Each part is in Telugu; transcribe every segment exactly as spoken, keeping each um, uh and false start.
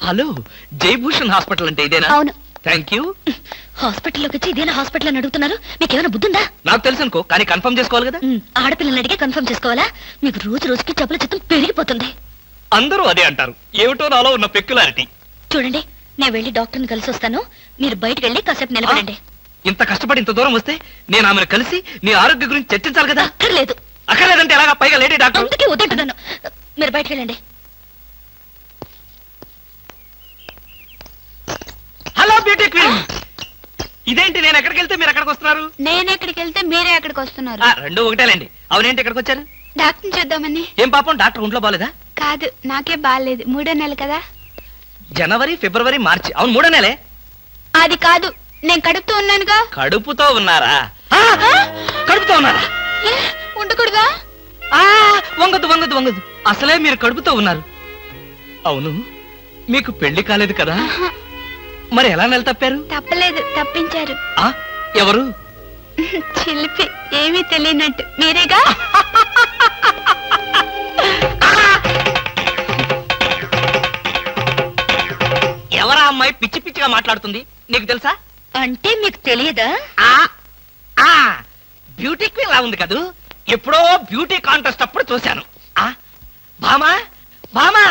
హలో, జయభూషణ్ హాస్పిటల్ అంటే ఇదేనా? అవును. Thank you. హాస్పిటల్లోకి వచ్చి ఇదేనా హాస్పిటల్ అని అడుగుతున్నారు? మీకు ఏమైనా బుద్ధుందా? నాకు తెలుసు అనుకో, కానీ కన్ఫర్మ్ చేసుకోవాలి కదా. ఆడపిల్లలు అడిగే కన్ఫర్మ్ చేసుకోవాలా? మీకు రోజు రోజుకి జబ్బుల చిత్తం పెరిగిపోతుంది. అందరూ అదే అంటారు. ఏమిటో నాలో ఉన్న పెక్యులారిటీ. చూడండి, నేను వెళ్ళి డాక్టర్ని కలిసి వస్తాను. మీరు బయటకు వెళ్ళి కాసేపు నిలబడండి. ఇంత కష్టపడి ఇంత దూరం వస్తే నేను ఆమెను కలిసి నీ ఆరోగ్య గురించి చర్చించాలి కదా. అక్కర్లేదు. అక్కర్లేదంటే ఎలాగా? పైగా లేడీ డాక్టర్. అందుకే వద్దంటున్నాను. మీరు బయటకు వెళ్ళండి. Hello beauty queen. ఇదేంటి, నేను ఎక్కడికి వెళ్తే మీరు ఎక్కడికి వస్తున్నారు? నేను ఎక్కడికి వెళ్తే మీరే ఎక్కడికి వస్తున్నారు. రెండు ఒకటేలేండి. అవునేంటి ఎక్కడికి వచ్చారు? డాక్టర్ చూద్దామని. ఏం పాపం, డాక్టర్ ఒంట్లో బాలేదా? కాదు, నాకే బాగాలేదు. మూడో నెల కదా. జనవరి, ఫిబ్రవరి, మార్చి. అవును, మూడో నెలే. అది కాదు, నేను కడుపుతూ ఉన్నానుగా. కడుపుతో ఉన్నారా? కడుపుతో ఉన్నారా? ఉండకూడదా? వంగదు వంగదు వంగదు. అసలే మీరు కడుపుతో ఉన్నారు. అవును, మీకు పెళ్లి కాలేదు కదా? మరి ఎలా నెల తప్పారు? తప్పలేదు, తప్పించారు. ఆ ఎవరు? చిలిపి, ఏమీ తెలియనట్టు. మీరేగా? ఎవరా అమ్మాయి పిచ్చి పిచ్చిగా మాట్లాడుతుంది? నీకు తెలుసా? అంటే మీకు తెలియదా? బ్యూటీ క్వీన్ లా ఉంది కదూ. ఎప్పుడో బ్యూటీ కాంటెస్ట్ అప్పుడు చూశాను. ఆ భామా, భామా.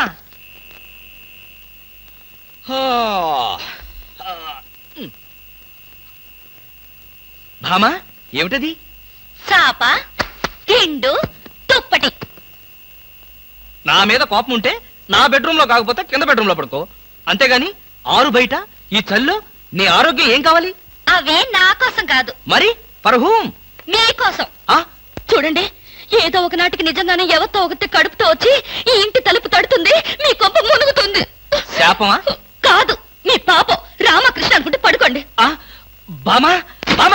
భామా, ఏమిటది? చాప, హిండు, తుప్పటి. నా మీద కోపం ఉంటే నా బెడ్రూమ్ లో కాకపోతే కింద బెడ్రూమ్ లో పడుకో. అంతేగాని ఆరు బయట ఈ చల్లో నీ ఆరోగ్యం ఏం కావాలి? అవే నా కోసం కాదు. మరి ఫర్ హూమ్? మీకోసం. చూడండి, ఏదో ఒక నాటికి నిజంగానే ఎవరితో ఒకటి కడుపుతో వచ్చి ఈ ఇంటి తలుపు తడుతుంది, మీ కొంప మునుగుతుంది. శాపమా? కాదు, మీ పాపం. రామకృష్ణ అనుకుంటే పడుకోండి. బామా, బామా,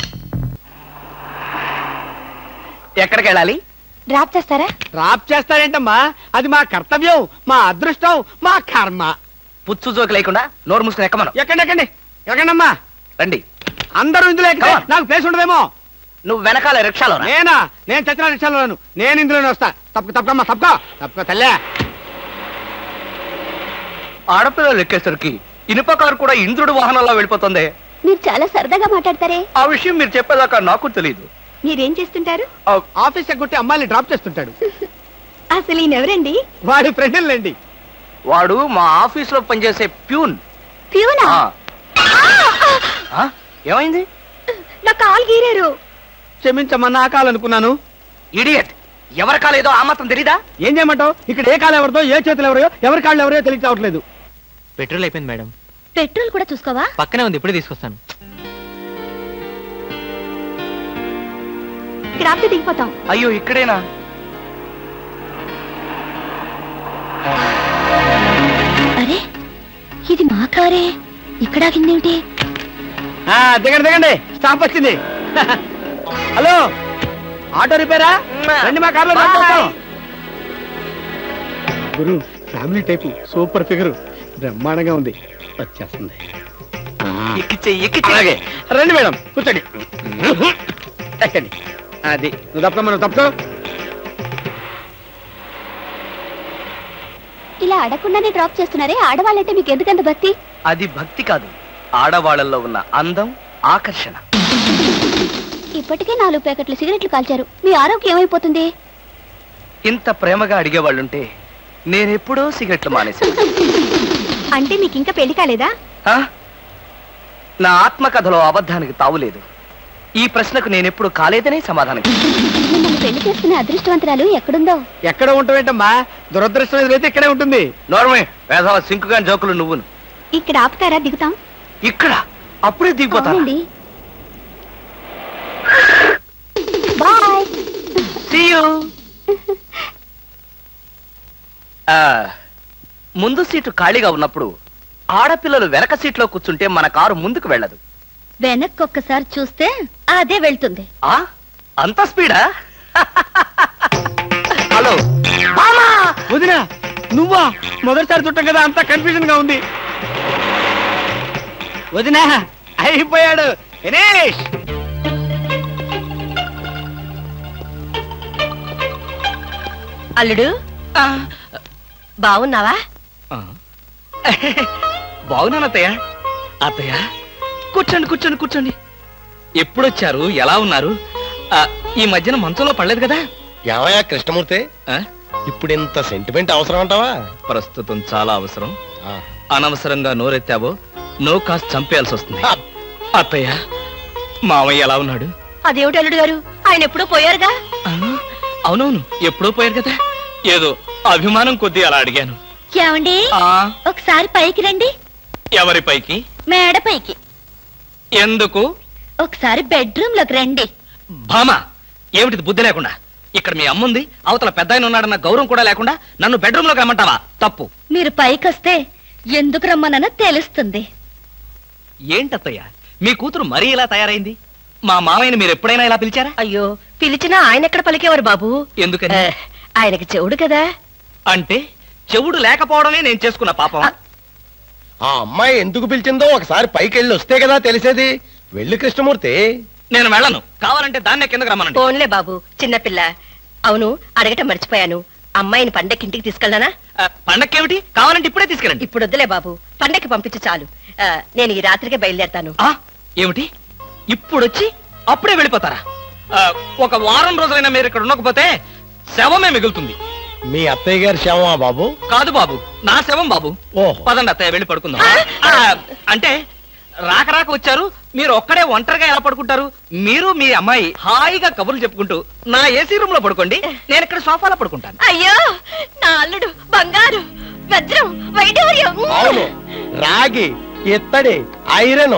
ఎక్కడికి వెళ్ళాలి? డ్రాప్ చేస్తారా? డ్రాప్ చేస్తారేంటమ్మా? అది మా కర్తవ్యం, మా అదృష్టం, మా కర్మ. పుచ్చు జోకి లేకుండా నోరు మూసుకుని ఎక్కమను. ఎక్కండి ఎక్కండి ఎక్కండమ్మా. రండి. అందరూ ఇందులో ఎక్కితే నాకు ప్లేస్ ఉండదేమో. నువ్వు వెనకాల రిక్షాలో? నేనా? నేను చచ్చిన రిక్షాలోను. నేను ఇందులోనే వస్తా. తప్పక తప్పకమ్మా, తప్పక తప్పక తల్లే. ఆడపిల్లలు ఎక్కేసరికి ఇనుప కారు కూడా ఇంద్రుడు వాహనంలో వెళ్ళిపోతుంది. మీరు చాలా సరదాగా మాట్లాడతారే. ఆ విషయం మీరు చెప్పేదాకా నాకు తెలియదు. మీరేం చేస్తుంటారు? ఆఫీస్ ఎగ్గొట్టి అమ్మాయిని డ్రాప్ చేస్తుంటాడు. అసలు ఈయనెవరండి? వాడి ఫ్రెండ్లండి. వాడు మా ఆఫీస్ లో పనిచేసే ప్యూన్. ప్యూనా? ఏమైంది? నా కాలు గీరారు. క్షమించమ్మా, నా కాలనుకున్నాను. ఇడియట్, ఎవరి కాలేదో ఆ మాత్రం తెలీదా? ఏం చేయమంటావు? ఇక్కడ ఏ కాలు ఎవరితో, ఏ చేతులు ఎవరో, ఎవరి కాళ్ళు ఎవరో తెలిసి రావట్లేదు. పెట్రోల్ అయిపోయింది మేడం. పెట్రోల్ కూడా చూసుకోవా? పక్కనే ఉంది, ఇప్పుడే తీసుకొస్తాను. ఇక్కడ ఆపితే దిగిపోతాం. అయ్యో, ఇక్కడేనా? అరే, ఇది మా కారే. ఇక్కడ ఆగిందేమిటి? దిగండి దిగండి, స్టాప్ వచ్చింది. హలో, ఆటో రిపేరా? రండి, మా కార్లో గురు. ఫ్యామిలీ టైపు, సూపర్ ఫిగర్, బ్రహ్మాండంగా ఉంది. వచ్చేస్తుంది. అలాగే రండి మేడం, కూర్చోండి. ఎక్కండి. అది నువ్వు తప్ప మనం తప్ప. ఇలా అడగకుండానే డ్రాప్ చేస్తున్నారే, ఆడవాళ్ళంటే మీకు ఎందుకంత భక్తి? అది భక్తి కాదు, ఆడవాళ్ళల్లో ఉన్న అందం, ఆకర్షణ. ఇప్పటికే నాలుగు ప్యాకెట్లు సిగరెట్లు కాల్చారు, మీ ఆరోగ్యం ఏమైపోతుంది? ఇంత ప్రేమగా అడిగేవాళ్ళుంటే నేనెప్పుడో సిగరెట్లు మానేశాను. అంటే మీకు ఇంకా పెళ్లి కాలేదా? నా ఆత్మకథలో అబద్ధానికి తావులేదు. ఈ ప్రశ్నకు నేనెప్పుడు కాలేదనే సమాధానం. మిమ్మల్ని పెళ్లి చేసుకునే అదృష్టవంతరాలు ఎక్కడుందో. ఎక్కడ ఉంటావేంటమ్మా? దురదృష్టం ఎదురైతే ఇక్కడే ఉంటుంది. నోర్మే, వేసవ సింకుగా జోకులు నువ్వును. ఇక్కడ ఆపుతారా? దిగుతాం. ఇక్కడ అప్పుడే దిగిపోతా. బాయ్. See you. ముందు సీటు ఖాళీగా ఉన్నప్పుడు ఆడపిల్లలు వెనక సీట్లో కూర్చుంటే మన కారు ముందుకు వెళ్ళదు. వెనక్కి ఒక్కసారి చూస్తే అదే వెళ్తుంది. ఆ అంత స్పీడా? హలో వదినా, నువ్వా? మొదటిసారి చుట్టాం కదా, అంత కన్ఫ్యూజన్ గా ఉంది. వదినా, అయిపోయాడు దినేష్. అల్లుడు, బాగున్నావా? బాగున్నాను అత్తయ్య. అత్తయ్య కూర్చోండి కూర్చోండి కూర్చోండి. ఎప్పుడొచ్చారు? ఎలా ఉన్నారు? ఆ, ఈ మధ్యన మంచంలో పడలేదు కదా? ఏమయ్యా కృష్ణమూర్తి, ఆ, ఇప్పుడు ఇంత సెంటిమెంట్ అవసరం అంటావా? ప్రస్తుతం చాలా అవసరం. అనవసరంగా నోరెత్తావో నో కాస్త చంపేయాల్సి వస్తుంది. అత్తయ్య మామయ్య ఎలా ఉన్నాడు? అదేమిటి అల్లుడు గారు, ఆయన ఎప్పుడూ పోయారుగా. ఆ, అవునవును ఎప్పుడో పోయారు కదా. ఏదో అభిమానం కొద్దీ అలా అడిగాను. ఏమండి, ఆ ఒకసారి పైకి రండి. ఎవరి పైకి? మేడ పైకి. ఎందుకు? ఒకసారి బెడ్రూమ్ లోకి రండి. భామా, ఏమిటిది బుద్ధి లేకుండా? ఇక్కడ మీ అమ్ముంది, అవతల పెద్ద ఆయన ఉన్నాడన్న గౌరవం కూడా లేకుండా నన్ను బెడ్రూమ్ లోకి రమ్మంటావా? తప్పు. మీరు పైకొస్తే ఎందుకు రమ్మనో తెలుస్తుంది. ఏంటత్తయ్య మీ కూతురు మరీ ఇలా తయారైంది? మా మామయ్యని మీరు ఎప్పుడైనా ఇలా పిలిచారా? అయ్యో, పిలిచినా ఆయన ఎక్కడ పలికేవారు బాబు? ఎందుకని? ఆయనకి చెవుడు కదా. అంటే చెవుడు లేకపోవడమే నేను చేసుకున్న పాపం. ఆ అమ్మాయి ఎందుకు పిలిచిందో ఒకసారి పైకి వెళ్ళి వస్తే కదా తెలిసేది. వెళ్ళి కృష్ణమూర్తి. నేను వెళ్ళను. కావాలంటే దాన్నే కిందకు రమ్మనండి. ఫోన్లే బాబు, చిన్నపిల్ల. అవును, అడగటం మర్చిపోయాను. అమ్మాయిని పండక్కి ఇంటికి తీసుకెళ్ళనా? ఆ, పండక్కేమిటి? కావాలంటే ఇప్పుడే తీసుకెళ్ళండి. ఇప్పుడు వద్దులే బాబు, పండక్కి పంపించు చాలు. ఆ, నేను ఈ రాత్రికే బయలుదేరతాను. ఆ, ఏమిటి ఇప్పుడొచ్చి అప్పుడే వెళ్ళిపోతారా? ఆ, ఒక వారం రోజులైనా మీరు ఇక్కడ ఉండకపోతే శవమే మిగులుతుంది. మీ అత్తయ్య గారి శవమా బాబు? కాదు బాబు, నా శవం బాబు. ఓహో. పదండి అత్తయ్య, వెళ్ళి పడుకుందాం. ఆ, అంటే రాక రాక వచ్చారు, మీరు ఒక్కడే ఒంటరిగా ఎలా పడుకుంటారు? మీరు మీ అమ్మాయి హాయిగా కబుర్లు చెప్పుకుంటూ నా ఏసీ రూమ్ లో పడుకోండి, నేను ఇక్కడ సోఫాలో పడుకుంటాను. అయ్యో, నా అల్లుడు బంగారు వజ్రం వైడూర్యం. అవును, రాగి ఇత్తడి ఐరన్.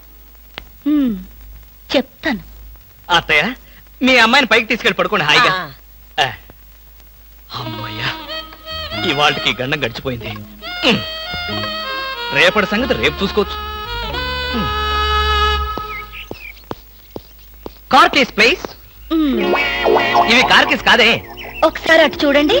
చెప్తాను. అత్తయ్య మీ అమ్మాయిని పైకి తీసుకెళ్ళి పడుకోండి హాయిగా. ఆ, అమ్మయ్యా, ఇవాళకి గండం గడిచిపోయింది. ఉమ్. రేపటి సంగతి రేపు చూసుకోవచ్చు. ఉమ్. Car keys please. ఇవి కార్ కేస్ కాదే. ఒకసారి అటు చూడండి.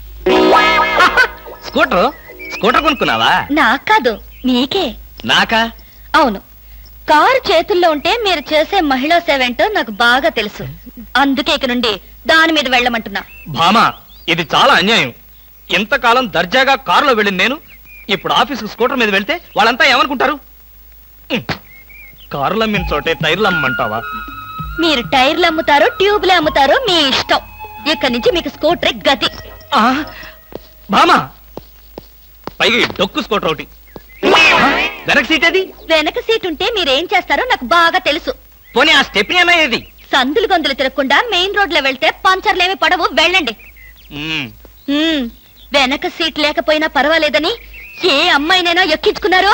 స్కూటర్ స్కూటర్ కొనుక్కున్నావా? నాకు కాదు, నీకే. నాకా? అవును, కారు చేతుల్లో ఉంటే మీరు చేసే మహిళా సేవ ఏంటో నాకు బాగా తెలుసు. అందుకే ఇక నుండి దాని మీద వెళ్ళమంటున్నా. భామా, ఇది చాలా అన్యాయం. ఇంతకాలం దర్జాగా కారులో వెళ్ళింది నేను, ఇప్పుడు ఆఫీసు స్కూటర్ మీద వెళ్తే వాళ్ళంతా ఏమనుకుంటారు? ఉమ్. కారులు అమ్మిన చోటే టైర్లు అమ్మంటావా? మీరు టైర్లు అమ్ముతారో ట్యూబ్లు అమ్ముతారో మీ ఇష్టం. ఇక్కడి నుంచి మీకు స్కూటర్ గతి. ఆ, భామా, పైగా ఈ డొక్కు స్కూటర్ ఒకటి. ఆ, వెనక సీట్ అది. వెనక సీట్ ఉంటే మీరేం చేస్తారో నాకు బాగా తెలుసు. పోనీ ఆ స్టెప్ని అన్నా ఏది? సందులు గొంతులు తిరగకుండా మెయిన్ రోడ్ లో వెళ్తే పంచర్లేమి పడవు, వెళ్ళండి. ఉమ్. ఉమ్, వెనక సీట్ లేకపోయినా పర్వాలేదని ఏ అమ్మాయినైనా ఎక్కించుకున్నారో?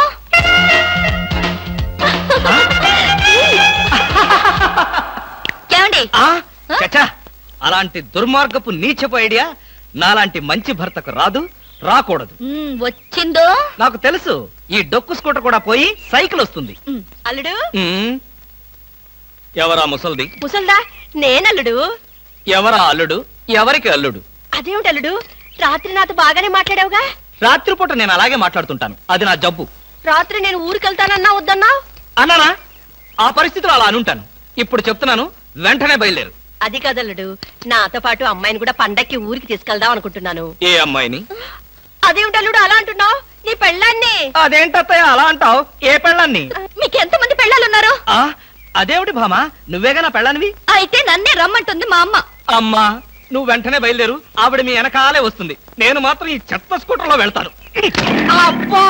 ఏమండి? ఆ, చచ్చా, అలాంటి దుర్మార్గపు నీచపు ఐడియా నాలాంటి మంచి భర్తకు రాదు, రాకూడదు. ఉమ్, వచ్చిందో? నాకు తెలుసు, ఈ డొక్కు స్కూటర్ కూడా పోయి సైకిల్ వస్తుంది. ఉమ్, అల్లుడు. ఉమ్. ఎవరా ముసల్ది? ముసల్దా? నేనల్లుడు. ఎవరా అల్లుడు? ఎవరికి అల్లుడు? అదేమిటి అల్లుడు, రాత్రి నాతో బాగానే మాట్లాడావుగా? రాత్రిపూట నేను అలాగే మాట్లాడుతుంటాను, అది నా జబ్బు. రాత్రి నేను ఊరికెళ్తానన్నా వద్దన్నా? అన్నానా? ఆ పరిస్థితిలో అలా అనుంటాను. ఇప్పుడు చెప్తున్నాను, వెంటనే బయలుదేరు. అది కదల్లుడు, నాతో పాటు అమ్మాయిని కూడా పండక్కి ఊరికి తీసుకెళ్దాం అనుకుంటున్నాను. ఏ అమ్మాయిని? అదేమిటి అల్లుడు అలా అంటున్నావు? నీ పెళ్ళాన్ని. అదేంటత్తయ్య అలా అంటావు? ఏ పెళ్ళాన్ని? మీకు ఎంతమంది పెళ్ళాలున్నారు? ఆ, అదేమిటి భామా, నువ్వేగా నా పెళ్ళానివి? అయితే నన్నే రమ్మంటుంది మా అమ్మ. అమ్మా, నువ్వు వెంటనే బయలుదేరు, ఆవిడ మీ వెనకాలే వస్తుంది. నేను మాత్రం ఈ చెత్త స్కూటర్ లో వెళ్తాను. అబ్బా!